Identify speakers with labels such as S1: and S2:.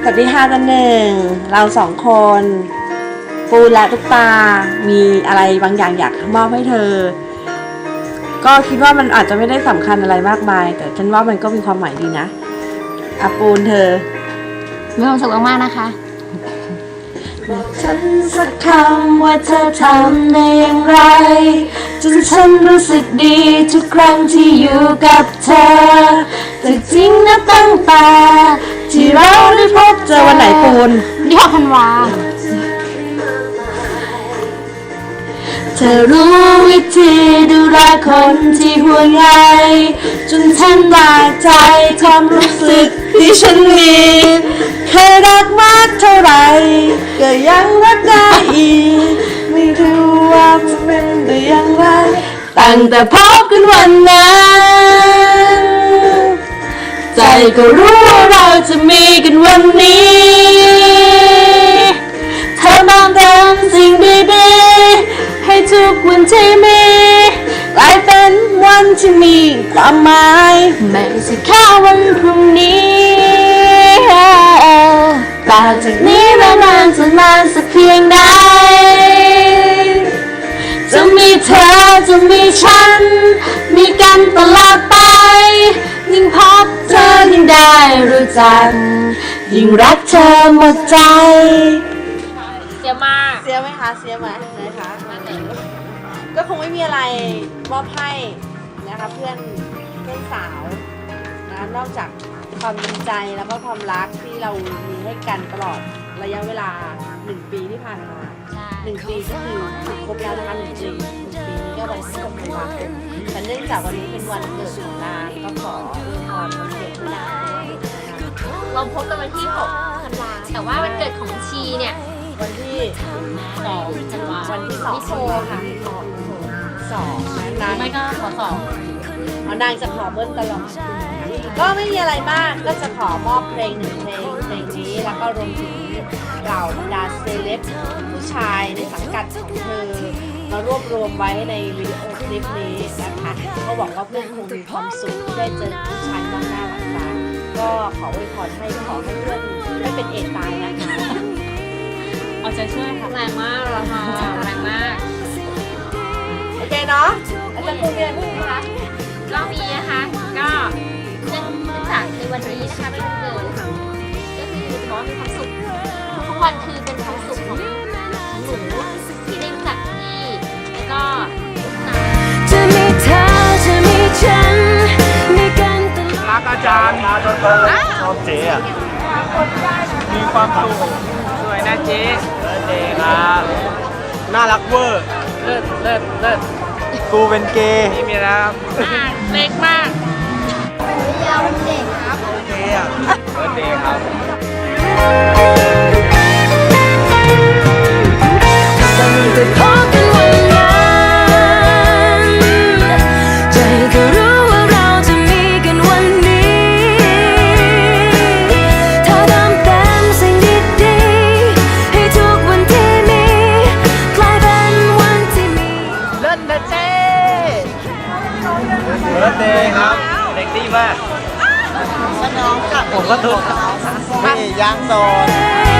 S1: วัสดีค่ะจันหนึ่งเราสองคนปูและตุ๊กตามีอะไรบางอย่างอยากมอบให้เธอก็คิดว่ามันอาจจะไม่ได้สำคัญอะไรมากมายแต่ฉันว่ามันก็มีความหมายดีนะอาปูนเธอ
S2: มีความสุขมากๆนะคะ
S1: ฉันสักคำว่าเธอทำได้อย่างไรจนฉันรู้สึกดีทุกครั้งที่อยู่กับเธอแต่จริงนะตั้งแต่ที่เราได้พบเจอวันไหนปูน
S2: ที่6 ธันวา
S1: เธอรู้วิธีดูแลคนที่ห่วงใยจนฉันบาดใจความรู้สึกที่ฉันมีเคยรักมากเท่าไหร่ก็ยังรักได้อีกไม่รู้ว่าจะเป็นได้อย่างไรตั้งแต่พบกันวันนั้นใจก็รู้ว่าเราจะมีกันวันนี้เธอมองเดิมสิ่งดีๆให้ทุกวันที่มีกลายเป็นวันที่มีความหมายไม่ใช่แค่วันพรุ่งนี้ต่อจากนี้และนานจะนานสักเพียงใดจะมีเธอจะมีฉันมีกันตลอดไปยิ่งพบเธอยิ่งได้รู้จักยิ่งรักเธอหมดใจ
S2: เสียมาก
S1: เสียไหมคะเสียไหมนะคะก็คงไม่มีอะไรมอบให้นะคะเพื่อนสาวนะนอกจากความดีใจแล้วก็ความรักที่เรามีให้กันตลอดระยะเวลา1 ปีที่ผ่านมา1 ปีก็คือถึงครบแล้วนะคะ1 ปีนี้ก็วันที่6 ธันวาคมแต่เนื่องจากวันนี้เป็นวันเกิดของนางก็ขออวยพรวันเกิดให้นางด้วย
S2: เราพบกันวันที่ 6 ธันวาแต่ว่าวันเกิดของชีเนี่ย
S1: วันที่2 ธันวาวันที่2
S2: โชค่ะ
S1: 2นาง
S2: ไม่ก็ขอ
S1: นางจะขอเบิ้ลตลอดก็ไม่มีอะไรมากก็จะขอมอบเพลง1 เพลงนี้แล้วก็รวมถึงเหล่าบรรดาเซเลบผู้ชายในสังกัดของเธอมารวบรวมไว้ในวิดีโอคลิปนี้นะคะก็บอกว่าเพื่อนคงมีความสุขที่ได้เจอผู้ชายมากหน้าหลังตาก็ขออวยพรให้ขอให้เพื่อนไม่เป็นเอดตายนะคะ
S2: เอาใจช่วยค่ะแรงมากเราค่ะแรงมาก
S1: โอเคเนาะอาจารย์ครูมีอะไรพูดไหมคะ
S2: ก็มีนะคะก็เนื่องจากในวันนี้นะคะเป็นวันเกิดก็คือขอมีความสุขทุกวันคือเป็นความสุขของหนูที่ได้รู้จักพี่แล้วก็จะมีเธอจะมีฉันมีกันตลอด
S3: รักอาจารย์ชอบเจ๊อะมีความสุขสวยนะเจ๊เจ๊ครับน่ารักเวอร์เลิศกูเป็นเกย์นี่มีแล้ว
S2: เล็กมากยาวเด็กครับ
S3: เจ๊อะเบิร์ดเดย์ครับ
S4: ตั้งแต่พบกันวันนั้นใจก็รู้ว่าเราจะมีกันวันนี้เธอทำเต็มสิ่งดีๆให้ทุกวันที่มีกลายเป็นวันที่มี
S3: เลิศนะเจ๊เบิร์ดเดย์ครับเด็กดีมาก
S1: น้องกับ
S3: ผมก็ทุกข์นี่ย่างโซน